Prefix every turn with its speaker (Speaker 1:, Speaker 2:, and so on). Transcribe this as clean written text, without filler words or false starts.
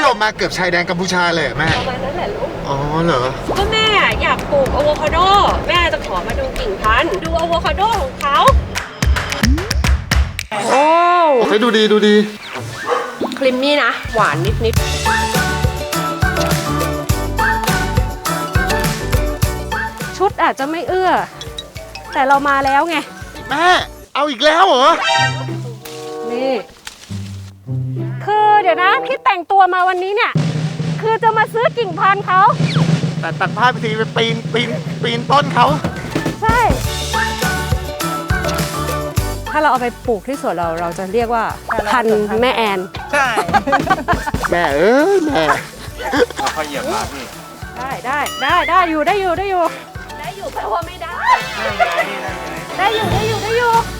Speaker 1: เรามาเกือบชายแดนกัมพูชาเลยแม่
Speaker 2: ประมาณนั้นแหละลูก
Speaker 1: อ๋อเหรอ
Speaker 2: ก็แม่อยากปลูกอะโวคาโดแม่จะขอมาดูกิ่งพันธุ์ดูอะโวคาโดของเขาโอ้
Speaker 1: โอเคดูดี
Speaker 2: ครีมมี่นะหวานนิดชุดอาจจะไม่เอื้อแต่เรามาแล้วไง
Speaker 1: แม่เอาอีกแล้วเหรอ
Speaker 2: นี่คือเดี๋ยวนะที่แต่งตัวมาวันนี้เนี่ยคือจะมาซื้อกิ่งพันธุ์เขา
Speaker 1: แต่ตัดผ้าไปทีไปปีนต้นเขา
Speaker 2: ใช่ถ้าเราเอาไปปลูกที่สวนเราจะเรียกว่าพันธุ์แม่แอน
Speaker 3: ใช่
Speaker 1: แม่แม่
Speaker 3: เอาค่อยเหยียบมาพี่
Speaker 2: ได้อยู่แปลว่าไม่ได้ได้อยู่